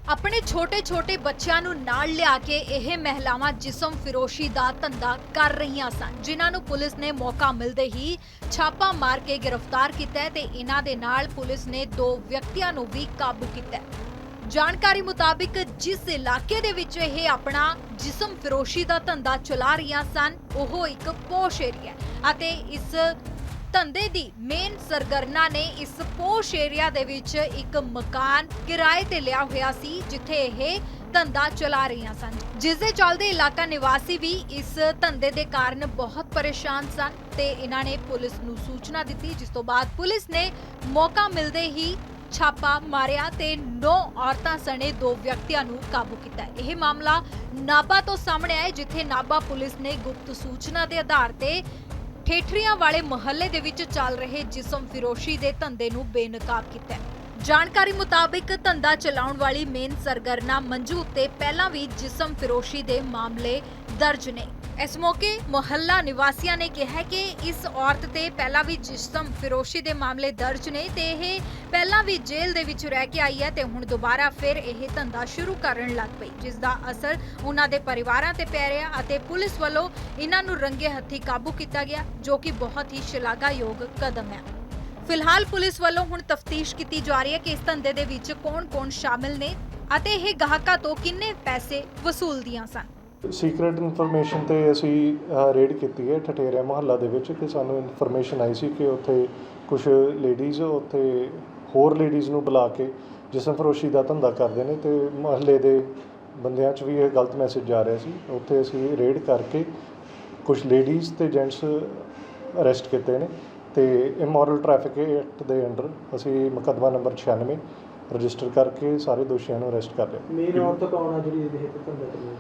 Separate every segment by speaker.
Speaker 1: ਆਪਣੇ ਛੋਟੇ-ਛੋਟੇ ਬੱਚਿਆਂ ਨੂੰ ਨਾਲ ਲਿਆ ਕੇ ਇਹ ਮਹਿਲਾਵਾਂ ਜਿਸਮ ਫਿਰੋਸ਼ੀ ਦਾ ਧੰਦਾ ਕਰ ਰਹੀਆਂ ਸਨ, ਜਿਨ੍ਹਾਂ ਨੂੰ ਪੁਲਿਸ ਨੇ ਮੌਕਾ ਮਿਲਦੇ ਹੀ ਛਾਪਾ ਮਾਰ ਕੇ ਗ੍ਰਿਫਤਾਰ ਕੀਤਾ ਹੈ ਤੇ ਇਹਨਾਂ ਦੇ ਨਾਲ ਪੁਲਿਸ ਨੇ 2 ਵਿਅਕਤੀਆਂ ਨੂੰ ਵੀ ਕਾਬੂ ਕੀਤਾ ਹੈ। ਜਾਣਕਾਰੀ ਮੁਤਾਬਿਕ ਜਿਸ ਇਲਾਕੇ ਦੇ ਵਿੱਚ ਇਹ ਆਪਣਾ ਜਿਸਮ ਫਿਰੋਸ਼ੀ ਦਾ ਧੰਦਾ ਚਲਾ ਰਹੀਆਂ ਸਨ, ਉਹ ਇੱਕ ਪੋਸ਼ ਏਰੀਆ ਹੈ ਅਤੇ ਇਸ ਧੰਦੇ ਦੀ ਮੇਨ ਸਰਗਰਨਾ ਨੇ ਇਸ ਪੋਸ਼ ਏਰੀਆ ਦੇ ਵਿੱਚ ਇੱਕ ਮਕਾਨ ਕਿਰਾਏ ਤੇ ਲਿਆ ਹੋਇਆ ਸੀ, ਜਿੱਥੇ ਇਹ ਧੰਦਾ ਚਲਾ ਰਹੀਆਂ ਸਨ, ਜਿਸ ਦੇ ਚੱਲਦੇ ਇਲਾਕਾ ਨਿਵਾਸੀ ਵੀ ਇਸ ਧੰਦੇ ਦੇ ਕਾਰਨ ਬਹੁਤ ਪਰੇਸ਼ਾਨ ਸਨ ਤੇ ਇਹਨਾਂ ਨੇ ਪੁਲਿਸ ਨੂੰ ਸੂਚਨਾ ਦਿੱਤੀ, ਜਿਸ ਤੋਂ ਬਾਅਦ ਪੁਲਿਸ ਨੇ ਮੌਕਾ ਮਿਲਦੇ ਹੀ ਛਾਪਾ ਮਾਰਿਆ ਤੇ 9 ਔਰਤਾਂ ਸਣੇ 2 ਵਿਅਕਤੀਆਂ ਨੂੰ ਕਾਬੂ ਕੀਤਾ। ਇਹ ਮਾਮਲਾ ਨਾਭਾ ਤੋਂ ਸਾਹਮਣੇ ਆਇਆ, ਜਿੱਥੇ ਨਾਭਾ ਪੁਲਿਸ ਨੇ ਗੁਪਤ ਸੂਚਨਾ ਦੇ ਆਧਾਰ ਤੇ ਠੇਠਰੀਆਂ ਵਾਲੇ ਮੁਹੱਲੇ ਦੇ ਵਿੱਚ ਚੱਲ ਰਹੇ ਜਿਸਮ ਫਿਰੋਸ਼ੀ ਦੇ ਧੰਦੇ ਨੂੰ ਬੇਨਕਾਬ ਕੀਤਾ ਹੈ। ਜਾਣਕਾਰੀ ਮੁਤਾਬਿਕ ਧੰਦਾ ਚਲਾਉਣ ਵਾਲੀ ਮੇਨ ਸਰਗਰਨਾ ਮੰਜੂ ਉੱਤੇ ਪਹਿਲਾਂ ਵੀ ਜਿਸਮ ਫਿਰੋਸ਼ੀ ਦੇ ਮਾਮਲੇ ਦਰਜ ਨੇ। ਇਸ ਮੌਕੇ ਮੁਹੱਲਾ ਨਿਵਾਸੀਆਂ ਨੇ ਕਿਹਾ ਕਿ ਇਸ ਔਰਤ ਤੇ ਪਹਿਲਾਂ ਵੀ ਜਿਸਮ ਫਿਰੋਸ਼ੀ ਦੇ ਮਾਮਲੇ ਦਰਜ ਨੇ ਤੇ ਇਹ ਪਹਿਲਾਂ ਵੀ ਜੇਲ੍ਹ ਦੇ ਵਿੱਚ ਰਹਿ ਕੇ ਆਈ ਹੈ ਤੇ ਹੁਣ ਦੁਬਾਰਾ ਫਿਰ ਇਹ ਧੰਦਾ ਸ਼ੁਰੂ ਕਰਨ ਲੱਗ ਪਈ, ਜਿਸ ਦਾ ਅਸਰ ਉਹਨਾਂ ਦੇ ਪਰਿਵਾਰਾਂ ਤੇ ਪੈ ਰਿਹਾ ਅਤੇ ਪੁਲਿਸ ਵੱਲੋਂ ਇਹਨਾਂ ਨੂੰ ਰੰਗੇ ਹੱਥੀਂ ਕਾਬੂ ਕੀਤਾ ਗਿਆ, ਜੋ ਕਿ ਬਹੁਤ ਹੀ ਸ਼ਲਾਘਾਯੋਗ ਕਦਮ ਹੈ। ਫਿਲਹਾਲ ਪੁਲਿਸ ਵੱਲੋਂ ਹੁਣ ਤਫਤੀਸ਼ ਕੀਤੀ ਜਾ ਰਹੀ ਹੈ ਕਿ ਇਸ ਧੰਦੇ ਦੇ ਵਿੱਚ ਕੌਣ-ਕੌਣ ਸ਼ਾਮਿਲ ਨੇ ਅਤੇ ਇਹ ਗਾਹਕਾਂ ਤੋਂ ਕਿੰਨੇ ਪੈਸੇ ਵਸੂਲਦੀਆਂ ਸਨ।
Speaker 2: ਸੀਕ੍ਰੇਟ ਇਨਫੋਰਮੇਸ਼ਨ ਤੇ ਅਸੀਂ ਰੇਡ ਕੀਤੀ ਹੈ ਠਠੇਰਿਆ ਮੁਹੱਲਾ ਦੇ ਵਿੱਚ ਕਿ ਸਾਨੂੰ ਇਨਫੋਰਮੇਸ਼ਨ ਆਈ ਸੀ ਕਿ ਉੱਥੇ ਕੁਝ ਲੇਡੀਜ਼ ਉੱਥੇ ਹੋਰ ਲੇਡੀਜ਼ ਨੂੰ ਬੁਲਾ ਕੇ ਜਿਸਮ ਫਰੋਸ਼ੀ ਦਾ ਧੰਦਾ ਕਰਦੇ ਨੇ ਤੇ ਮੁਹੱਲੇ ਦੇ ਬੰਦਿਆਂ 'ਚ ਵੀ ਇਹ ਗਲਤ ਮੈਸੇਜ ਜਾ ਰਿਹਾ ਸੀ। ਉੱਥੇ ਅਸੀਂ ਰੇਡ ਕਰਕੇ ਕੁਝ ਲੇਡੀਜ਼ ਤੇ ਜੈਂਟਸ ਅਰੈਸਟ ਕੀਤੇ ਨੇ ਤੇ ਇਮੋਰਲ ਟ੍ਰੈਫਿਕ ਐਕਟ ਦੇ ਅੰਡਰ ਅਸੀਂ ਮੁਕੱਦਮਾ ਨੰਬਰ 96 ਰਜਿਸਟਰ ਕਰਕੇ ਸਾਰੇ ਦੋਸ਼ੀਆਂ ਨੂੰ ਅਰੈਸਟ ਕਰ ਲਿਆ।
Speaker 3: ਮੇਨ ਔਰਤ ਕੌਣ ਆ ਜਿਹੜੀ ਇਹ ਧੰਦਾ ਕਰਦੀ?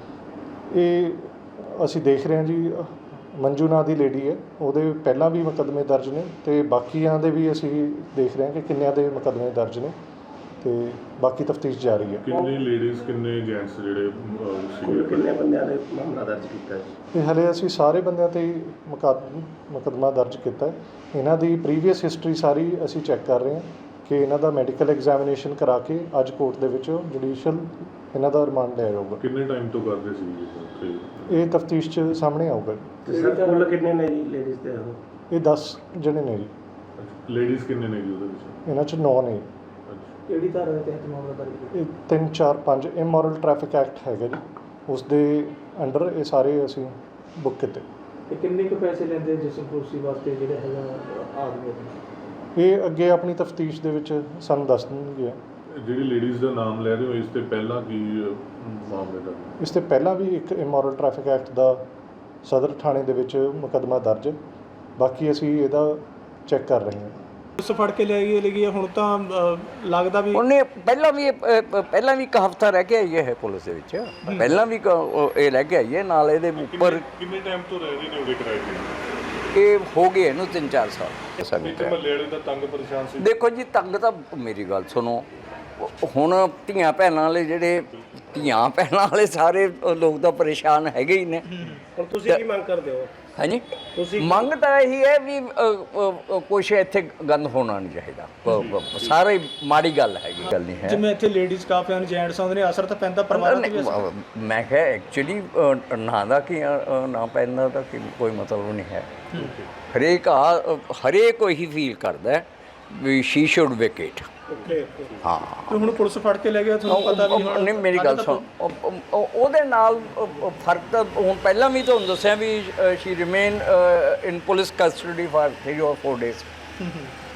Speaker 2: ਇਹ ਅਸੀਂ ਦੇਖ ਰਹੇ ਹਾਂ ਜੀ, ਮੰਜੂ ਨਾਂ ਦੀ ਲੇਡੀ ਹੈ, ਉਹਦੇ ਪਹਿਲਾਂ ਵੀ ਮੁਕੱਦਮੇ ਦਰਜ ਨੇ ਤੇ ਬਾਕੀਆਂ ਦੇ ਵੀ ਅਸੀਂ ਦੇਖ ਰਹੇ ਹਾਂ ਕਿ ਕਿੰਨਿਆਂ ਦੇ ਮੁਕੱਦਮੇ ਦਰਜ ਨੇ ਤੇ ਬਾਕੀ ਤਫਤੀਸ਼ ਜਾਰੀ ਹੈ।
Speaker 4: ਕਿੰਨੇ ਲੇਡੀਜ਼ ਕਿੰਨੇ ਜੈਂਟਸ ਜਿਹੜੇ
Speaker 3: ਕਿੰਨੇ ਬੰਦਿਆਂ ਨੇ ਮਾਮਲਾ ਦਰਜ ਕੀਤਾ ਹੈ?
Speaker 2: ਇਹ ਹਲੇ ਅਸੀਂ ਸਾਰੇ ਬੰਦਿਆਂ ਤੇ ਹੀ ਮੁਕੱਦਮਾ ਦਰਜ ਕੀਤਾ ਹੈ। ਇਹਨਾਂ ਦੀ ਪ੍ਰੀਵੀਅਸ ਹਿਸਟਰੀ ਸਾਰੀ ਅਸੀਂ ਚੈੱਕ ਕਰ ਰਹੇ ਹਾਂ ਕਿ ਇਹਨਾਂ ਦਾ ਮੈਡੀਕਲ ਐਗਜ਼ਾਮੀਨੇਸ਼ਨ ਕਰਾ ਕੇ ਅੱਜ ਕੋਰਟ ਦੇ ਵਿੱਚ ਜੁਡੀਸ਼ੀਅਲ ਇਹਨਾਂ ਦਾ ਰਿਮਾਂਡ ਲਿਆ ਜਾਊਗਾ।
Speaker 4: ਕਿੰਨੇ ਟਾਈਮ ਤੋਂ ਕਰਦੇ ਸੀ
Speaker 2: ਇਹ ਤਫਤੀਸ਼ 'ਚ ਸਾਹਮਣੇ ਆਊਗਾ।
Speaker 3: ਸਰ ਕੁੱਲ ਕਿੰਨੇ ਨੇ ਜੀ ਲੇਡੀਜ਼ ਤੇ?
Speaker 2: ਇਹ 10 ਜਣੇ ਨੇ ਜੀ।
Speaker 4: ਲੇਡੀਜ਼ ਕਿੰਨੇ ਨੇ ਜੀ ਉਹਦੇ ਵਿੱਚ?
Speaker 2: ਇਹਨਾਂ 'ਚ 9 ਨੇ।
Speaker 3: ਕਿਹੜੀ ਧਾਰਾ ਦੇ ਤਹਿਤ ਮਾਮਲਾ ਦਰਜ ਕੀਤਾ?
Speaker 2: ਇਹ 3, 4, 5 ਇਮੋਰਲ ਟ੍ਰੈਫਿਕ ਐਕਟ ਹੈਗਾ ਜੀ, ਉਸ ਦੇ ਅੰਡਰ ਇਹ ਸਾਰੇ ਅਸੀਂ ਬੁੱਕ ਕੀਤੇ।
Speaker 3: ਤੇ ਕਿੰਨੇ ਕੁ ਪੈਸੇ ਲੈਂਦੇ ਜਿਸਮ ਫਰੋਸ਼ੀ ਵਾਸਤੇ ਜਿਹੜੇ ਹੈਗਾ ਆਦਮੀ?
Speaker 2: ਇਹ ਅੱਗੇ ਆਪਣੀ ਤਫਤੀਸ਼ ਦੇ ਵਿੱਚ ਸਾਨੂੰ ਦੱਸ ਦੇਣਗੇ।
Speaker 4: ਜਿਹੜੀ ਲੇਡੀਜ਼ ਦਾ ਨਾਮ ਲੈ ਰਹੇ ਹੋ, ਇਸ ਤੇ ਪਹਿਲਾਂ ਕੀ ਮਾਮਲੇ ਦਾ?
Speaker 2: ਇਸ ਤੇ ਪਹਿਲਾਂ ਵੀ ਇੱਕ ਇਮੋਰਲ ਟ੍ਰੈਫਿਕ ਐਕਟ ਦਾ ਸਦਰ ਥਾਣੇ ਦੇ ਵਿੱਚ ਮੁਕੱਦਮਾ ਦਰਜ, ਬਾਕੀ ਅਸੀਂ ਇਹਦਾ ਚੈੱਕ ਕਰ ਰਹੇ ਹਾਂ।
Speaker 3: ਉਸ ਫੜ ਕੇ ਲੈ ਗਈ ਹੁਣ ਤਾਂ ਲੱਗਦਾ ਵੀ
Speaker 5: ਉਹਨੇ ਪਹਿਲਾਂ ਵੀ ਇੱਕ ਹਫ਼ਤਾ ਰਹਿ ਕੇ ਆਈ ਹੈ ਪੁਲਿਸ ਦੇ ਵਿੱਚ, ਪਹਿਲਾਂ ਵੀ ਇਹ ਰਹਿ ਕੇ ਆਈ ਹੈ ਨਾਲ ਇਹਦੇ ਉੱਪਰ।
Speaker 4: ਕਿੰਨੇ ਟਾਈਮ ਤੋਂ ਰਹਿ ਰਹੇ ਨੇ ਉਹਦੇ ਕਿਰਾਏ ਤੇ?
Speaker 5: ਇਹ ਹੋ ਗਏ ਇਹਨੂੰ 3-4 ਸਾਲ।
Speaker 4: ਮਹੱਲੇ ਵਾਲੇ ਦਾ ਤੰਗ ਪਰੇਸ਼ਾਨ ਸੀ?
Speaker 5: ਦੇਖੋ ਜੀ, ਤੰਗ ਤਾਂ ਮੇਰੀ ਗੱਲ ਸੁਣੋ, ਹੁਣ ਧੀਆਂ ਭੈਣਾਂ ਵਾਲੇ ਸਾਰੇ ਲੋਕ ਤਾਂ ਪਰੇਸ਼ਾਨ ਹੈਗੇ ਹੀ ਨੇ।
Speaker 3: ਹੁਣ ਤੁਸੀਂ ਕੀ ਮੰਗ ਕਰਦੇ ਹੋ?
Speaker 5: ਹਾਂਜੀ, ਮੰਗ ਤਾਂ ਇਹੀ ਹੈ ਵੀ ਕੁਛ ਇੱਥੇ ਗੰਦ ਹੋਣਾ ਨਹੀਂ ਚਾਹੀਦਾ। ਸਾਰੇ ਮਾੜੀ ਗੱਲ ਹੈਗੀ, ਗੱਲ ਨਹੀਂ ਹੈ।
Speaker 3: ਜਿਵੇਂ ਇੱਥੇ ਲੇਡੀਜ਼ ਕਾਫੀ ਹਨ, ਜੈਂਟਸ ਆਉਂਦੇ ਨੇ, ਅਸਰ ਤਾਂ ਪੈਂਦਾ ਪਰਿਵਾਰਾਂ ਤੇ ਵੀ ਅਸਰ?
Speaker 5: ਮੈਂ ਕਿਹਾ ਐਕਚੁਅਲੀ ਨਾ ਦਾ ਕਿ ਨਾ ਪੈਂਦਾ ਤਾਂ ਕੋਈ ਮਤਲਬ ਨਹੀਂ ਹੈ। ਹਰੇਕ ਉਹੀ ਫੀਲ ਕਰਦਾ ਵੀ ਸ਼ੀ ਸ਼ੁੱਡ ਵੇਕੇਟ। ਹਾਂ,
Speaker 3: ਤੇ ਹੁਣ ਪੁਲਿਸ ਫੜ ਕੇ ਲੈ ਗਿਆ, ਤੁਹਾਨੂੰ ਪਤਾ ਵੀ ਹੁਣ
Speaker 5: ਨਹੀਂ, ਮੇਰੀ ਗੱਲ ਸੁਣ, ਉਹਦੇ ਨਾਲ ਫਰਕ ਤਾਂ ਹੁਣ ਪਹਿਲਾਂ ਵੀ ਤੁਹਾਨੂੰ ਦੱਸਿਆ ਵੀ she remain in police custody for 3 or 4 days।